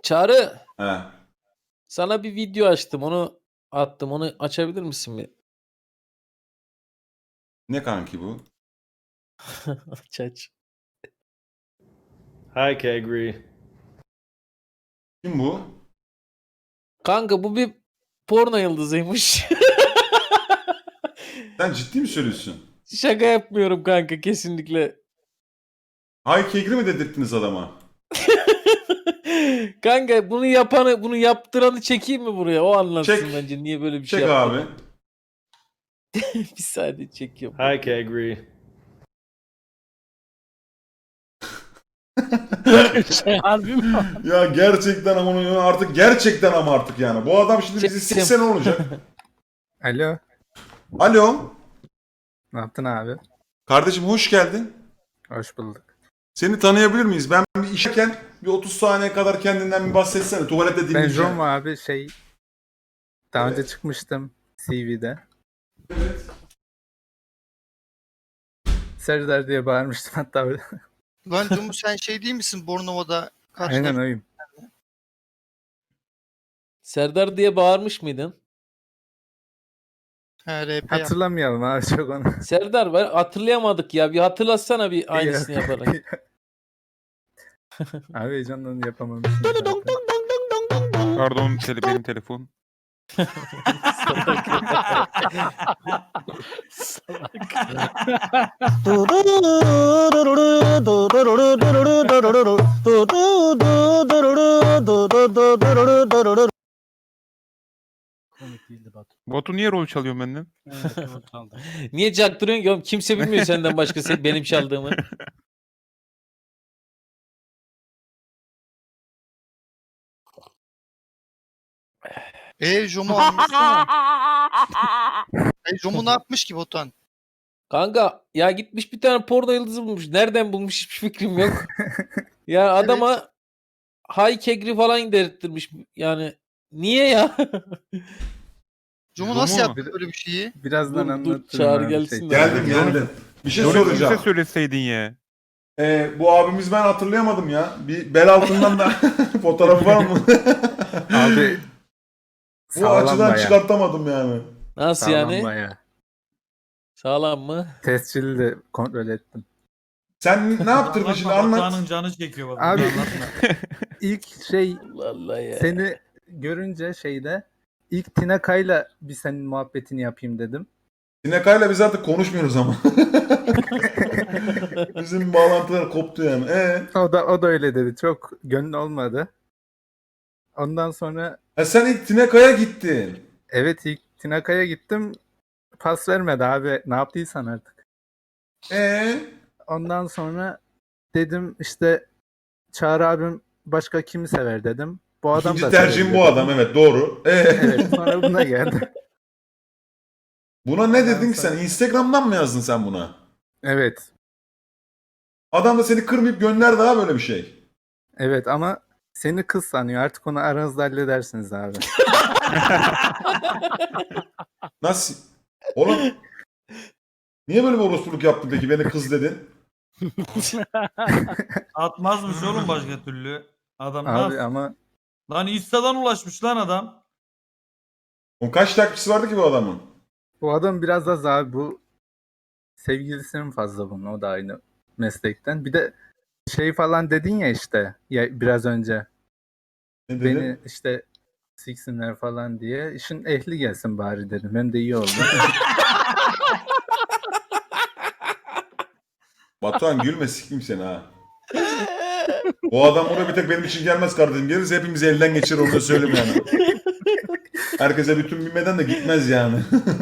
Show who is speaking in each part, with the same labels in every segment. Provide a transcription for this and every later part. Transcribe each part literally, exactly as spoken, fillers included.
Speaker 1: Çağrı.
Speaker 2: He.
Speaker 1: Sana bir video açtım. Onu attım. Onu açabilir misin bir?
Speaker 2: Ne kanki bu?
Speaker 1: Aç aç.
Speaker 3: Hi, Kegri.
Speaker 2: Kim bu?
Speaker 1: Kanka bu bir porno yıldızıymış.
Speaker 2: Sen ciddi mi söylüyorsun?
Speaker 1: Şaka yapmıyorum kanka kesinlikle.
Speaker 2: Hay kegri mi dedirttiniz adama?
Speaker 1: Kanka bunu yapanı, bunu yaptıranı çekeyim mi buraya? O anlatsın
Speaker 2: Çek.
Speaker 1: bence niye böyle bir
Speaker 2: Çek
Speaker 1: şey yaptı.
Speaker 2: abi.
Speaker 1: Bir saniye çekiyorum.
Speaker 3: Hi, Kegri.
Speaker 1: Şey, harbi mi?
Speaker 2: Ya gerçekten ama onu artık gerçekten ama artık yani. Bu adam şimdi bizi
Speaker 1: Çektim.
Speaker 2: sikse ne olacak?
Speaker 4: Alo.
Speaker 2: Alo.
Speaker 4: Ne yaptın abi?
Speaker 2: Kardeşim hoş geldin.
Speaker 4: Hoş bulduk.
Speaker 2: Seni tanıyabilir miyiz? Ben bir işerken bir otuz saniye kadar kendinden bir bahsetsene. Tuvalette
Speaker 4: Ben
Speaker 2: dinleyeceğim.
Speaker 4: Roma abi şey daha
Speaker 2: Evet.
Speaker 4: önce çıkmıştım C V'de.
Speaker 2: Evet.
Speaker 4: Serdar diye bağırmıştım hatta öyle.
Speaker 5: Lan Cumu sen şey değil misin Bornova'da karşıda?
Speaker 4: Aynen oyum.
Speaker 1: Serdar diye bağırmış mıydın?
Speaker 5: He, R P yap.
Speaker 4: Hatırlamayalım abi çok onu.
Speaker 1: Serdar var hatırlayamadık ya. Bir hatırlatsana bir aynısını yaparak.
Speaker 4: Abi heyecandan yapamamışım. zaten.
Speaker 6: Pardon tele, benim telefon.
Speaker 7: Komik değildi Batu.
Speaker 6: Batu niye rol çalıyor benden?
Speaker 7: Evet, doğru kaldı.
Speaker 1: Niye çaktırıyorsun ki oğlum? Kimse bilmiyor senden başka se- benim çaldığımı.
Speaker 5: Eee Cumu anlatsana. E Cumu ne yapmış ki Botan?
Speaker 1: Kanka ya gitmiş bir tane porno yıldızı bulmuş. Nereden bulmuş hiçbir fikrim yok. Ya adama Hay Kegri falan dedirttirmiş. Yani niye ya?
Speaker 5: Cumu nasıl
Speaker 2: Cumu.
Speaker 5: yaptı böyle bir şeyi?
Speaker 4: Birazdan
Speaker 1: Dur, dur,
Speaker 4: anlatırım
Speaker 1: çağır
Speaker 4: abi
Speaker 1: gelsin
Speaker 4: şey.
Speaker 1: de.
Speaker 2: Geldim geldim. Bir şey
Speaker 6: Rol
Speaker 2: soracağım.
Speaker 6: bize söyleseydin ya.
Speaker 2: Ee, bu abimiz ben hatırlayamadım ya. Bir bel altından da fotoğrafı var mı?
Speaker 4: Abi
Speaker 2: Bu
Speaker 4: sağlam
Speaker 2: açıdan
Speaker 4: bayağı.
Speaker 2: çıkartamadım yani.
Speaker 1: Nasıl
Speaker 4: Sağlam
Speaker 1: yani?
Speaker 4: bayağı.
Speaker 1: Sağlam mı?
Speaker 4: Tescilli de kontrol ettim.
Speaker 2: Sen ne yaptırdın şimdi anlat.
Speaker 7: Batuhan'ın canı çekiyor baba.
Speaker 4: Abi-
Speaker 7: Anlatma.
Speaker 4: İlk şey
Speaker 1: Allah Allah ya.
Speaker 4: seni görünce şeyde ilk Tinaka'yla bir senin muhabbetini yapayım dedim.
Speaker 2: Sinekay'la biz artık konuşmuyoruz ama. Bizim bağlantılar koptu yani. Ee,
Speaker 4: O da o da öyle dedi. Çok gönlü olmadı. Ondan sonra
Speaker 2: ha sen ilk Tinekay'a gittin.
Speaker 4: evet ilk Tinaka'ya gittim. Pas vermedi abi. Ne yaptıysan artık.
Speaker 2: Ee,
Speaker 4: Ondan sonra dedim işte Çağrı abim başka kimi sever dedim. Bu adam
Speaker 2: ikinci
Speaker 4: da
Speaker 2: tercihim
Speaker 4: sever
Speaker 2: bu
Speaker 4: dedim.
Speaker 2: adam evet doğru. Ee,
Speaker 4: Evet sonra buna geldi.
Speaker 2: buna ne
Speaker 4: Ondan
Speaker 2: dedin ki sen?
Speaker 4: sonra-
Speaker 2: Instagram'dan mı yazdın sen buna?
Speaker 4: Evet.
Speaker 2: Adam da seni kırmayıp gönder daha böyle bir şey.
Speaker 4: Evet ama seni kız sanıyor. Artık onu aranızda halledersiniz abi.
Speaker 2: Nasıl? Oğlum niye böyle bir orospuluk yaptın peki? Beni kız dedin.
Speaker 7: Atmazmış oğlum başka türlü. Adam
Speaker 4: Abi
Speaker 7: nasıl?
Speaker 4: ama
Speaker 7: Lan Insta'dan ulaşmış lan adam.
Speaker 2: O kaç takipçisi vardı ki bu adamın?
Speaker 4: bu adam biraz az abi bu sevgilisinin fazla bunun. O da aynı meslekten. Bir de şey falan dedin ya işte ya biraz önce.
Speaker 2: Ne dedin?
Speaker 4: Beni işte siksinler falan diye. İşin ehli gelsin bari dedim. Hem de iyi oldu.
Speaker 2: Batuhan gülme sikeyim seni ha. O adam buraya bir tek benim için gelmez kardeşim. Gelirse hepimizi elden geçirir onu da söyleyeyim yani. Herkese bütün bilmeden de gitmez yani.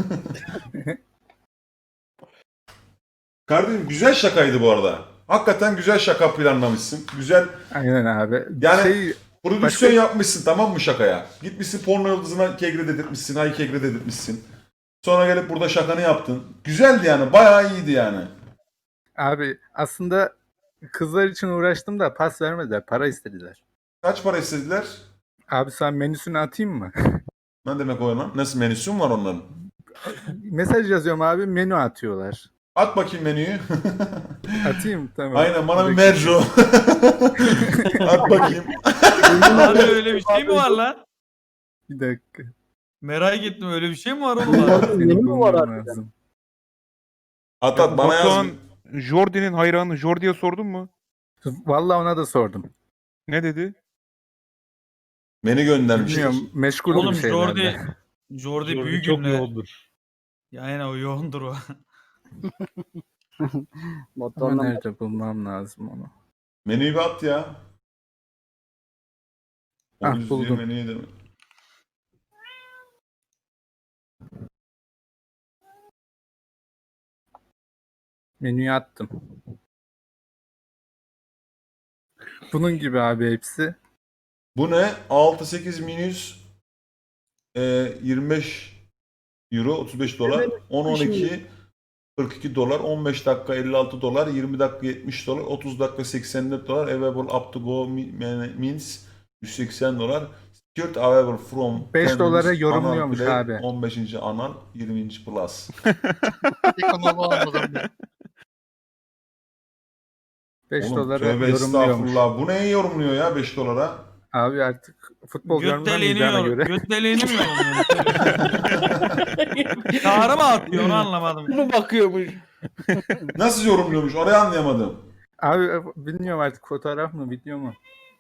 Speaker 2: Kardeşim güzel şakaydı bu arada. Hakikaten güzel şaka planlamışsın. Güzel
Speaker 4: Aynen abi.
Speaker 2: Yani-
Speaker 4: Şey,
Speaker 2: prodüksiyon
Speaker 4: Başka-
Speaker 2: yapmışsın tamam mı şakaya? Gitmişsin porno yıldızına kegre dedirtmişsin, hay kegre dedirtmişsin. Sonra gelip burada şakanı yaptın. Güzeldi yani, bayağı iyiydi yani.
Speaker 4: abi aslında kızlar için uğraştım da pas vermediler. Para istediler.
Speaker 2: Kaç para istediler?
Speaker 4: Abi sen menüsünü atayım mı?
Speaker 2: Ne demek o lan? Nasıl menüsü mü var onların?
Speaker 4: Mesaj yazıyorum abi menü atıyorlar.
Speaker 2: At bakayım menüyü.
Speaker 4: Atayım tamam.
Speaker 2: Aynen bana bir
Speaker 4: Bakayım.
Speaker 2: merco. At bakayım.
Speaker 7: Abi öyle bir şey mi var lan?
Speaker 4: Bir dakika.
Speaker 7: Merak ettim öyle bir şey mi var oğlum? abi?
Speaker 4: Seni
Speaker 8: Yeni mi var
Speaker 4: bulmam
Speaker 8: harbiden?
Speaker 4: lazım.
Speaker 2: At at bana yaz.
Speaker 6: Batuhan, Jordi'nin hayranı Jordi'ye sordun mu?
Speaker 4: Vallahi ona da sordum.
Speaker 6: Ne dedi?
Speaker 2: Beni göndermiştir.
Speaker 4: Bilmiyorum. Meşgul
Speaker 7: Oğlum
Speaker 4: bir şeylerle.
Speaker 7: Jordi Jordi büyük
Speaker 3: çok
Speaker 7: günler.
Speaker 3: yoğundur.
Speaker 7: Ya aynen o yoğundur o.
Speaker 4: Ama
Speaker 8: Motorla
Speaker 4: nerede bulmam lazım onu.
Speaker 2: Menüyü bir at ya.
Speaker 4: Ah,
Speaker 2: Onu
Speaker 4: buldum.
Speaker 2: izliyor menüyü de mi?
Speaker 4: Menüye attım. Bunun gibi abi hepsi.
Speaker 2: Bu ne? altı sekiz minus e, yirmi beş euro otuz beş dolar. on on iki kırk iki dolar. on beş dakika elli altı dolar. yirmi dakika yetmiş dolar. otuz dakika seksen dört dolar. Available up to go mi- means yüz seksen dolar. Secured available from
Speaker 4: beş
Speaker 2: ten
Speaker 4: dolara
Speaker 2: minutes,
Speaker 4: yorumluyormuş
Speaker 2: anal play,
Speaker 4: abi.
Speaker 2: on beşinci anal, yirminci plus.
Speaker 5: Ekonomi anladım ben.
Speaker 4: beş
Speaker 2: Oğlum
Speaker 4: dolara
Speaker 2: tövbe
Speaker 4: yorumluyormuş.
Speaker 2: estağfurullah. Bu neye yorumluyor ya beş dolara?
Speaker 4: Abi artık futbol
Speaker 7: Göt
Speaker 4: görmemeyeceğine
Speaker 7: deliğini
Speaker 4: göre.
Speaker 7: Göt deliğini mi yorumluyor? Çağrı mı atıyor onu anlamadım.
Speaker 1: Bunu bakıyormuş.
Speaker 2: Nasıl yorumluyormuş? Orayı anlayamadım.
Speaker 4: Abi bilmiyorum artık fotoğraf mı video mu?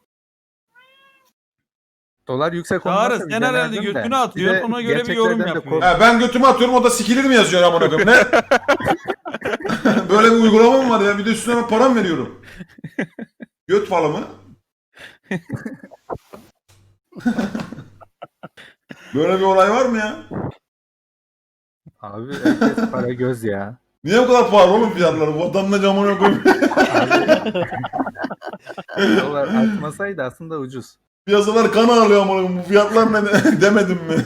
Speaker 4: Dolar yüksek
Speaker 7: Çağrı,
Speaker 4: olmasa
Speaker 7: sen
Speaker 4: bir
Speaker 7: herhalde
Speaker 4: denerdim de.
Speaker 7: götünü
Speaker 4: Bir
Speaker 7: atıyorsun,
Speaker 4: de
Speaker 7: ona göre bir yorum
Speaker 4: gerçeklerden de
Speaker 7: yapıyor.
Speaker 4: kork-
Speaker 2: He, ben götümü atıyorum o da sikilir mi yazıyor amına koyayım ne? Böyle bir uygulama mı var ya? Bir de üstüne ben param veriyorum. Göt falı mı? Böyle bir olay var mı ya?
Speaker 4: Abi herkes para göz ya.
Speaker 2: Niye bu kadar pahalı oğlum fiyatları? Vatandaş amına koyayım.
Speaker 4: Dolar artmasaydı aslında ucuz.
Speaker 2: Piyasalar kan ağlıyor amına koyayım. Bu fiyatlar ne de- demedim mi?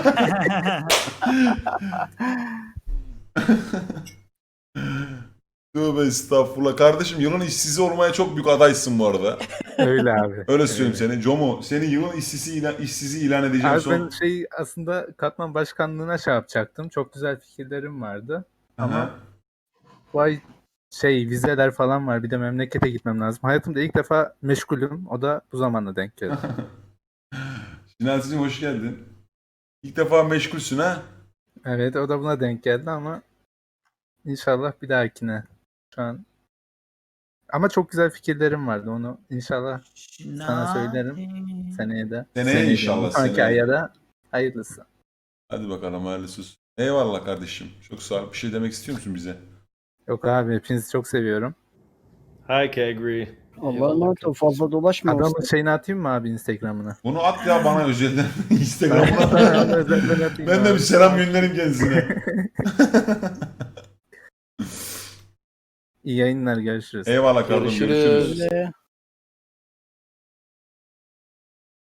Speaker 2: Tövbe estağfurullah. Kardeşim yılın işsizi olmaya çok büyük adaysın bu arada.
Speaker 4: Öyle abi.
Speaker 2: Öyle söyleyeyim seni. Jomo seni yılın işsizi ilan, işsizi ilan edeceğim
Speaker 4: Abi
Speaker 2: son.
Speaker 4: ben şey aslında katman başkanlığına şey yapacaktım. Çok güzel fikirlerim vardı. Ama
Speaker 2: Aha.
Speaker 4: bu ay şey vizeler falan var. Bir de memlekete gitmem lazım. Hayatımda ilk defa meşgulüm. O da bu zamanla denk geldi.
Speaker 2: Şinasi'cim hoş geldin. İlk defa meşgulsün ha?
Speaker 4: Evet o da buna denk geldi ama inşallah bir dahakine. Şu an ama çok güzel fikirlerim vardı. Onu inşallah sana söylerim seneye de.
Speaker 2: Seneye inşallah,
Speaker 4: Sonraki
Speaker 2: seneye.
Speaker 4: aya da hayırlısı.
Speaker 2: Hadi bakalım hayırlısı olsun. Eyvallah kardeşim. Çok sağ ol. Bir şey demek istiyor musun bize?
Speaker 4: Yok abi hepinizi çok seviyorum.
Speaker 3: Hi, Kegri.
Speaker 8: Allah'a emanet ol. Fazla dolaşma.
Speaker 4: Adamın şeyini atayım mı abi Instagram'ına?
Speaker 2: Bunu at ya bana özelden Instagram'ına.
Speaker 4: Özelden atayım
Speaker 2: Ben de
Speaker 4: abi.
Speaker 2: bir selam göndereyim kendisine.
Speaker 4: İyi yayınlar görüşürüz.
Speaker 2: Eyvallah kardeşim.
Speaker 1: Görüşürüz.
Speaker 2: Görüşürüz.
Speaker 8: Öyle.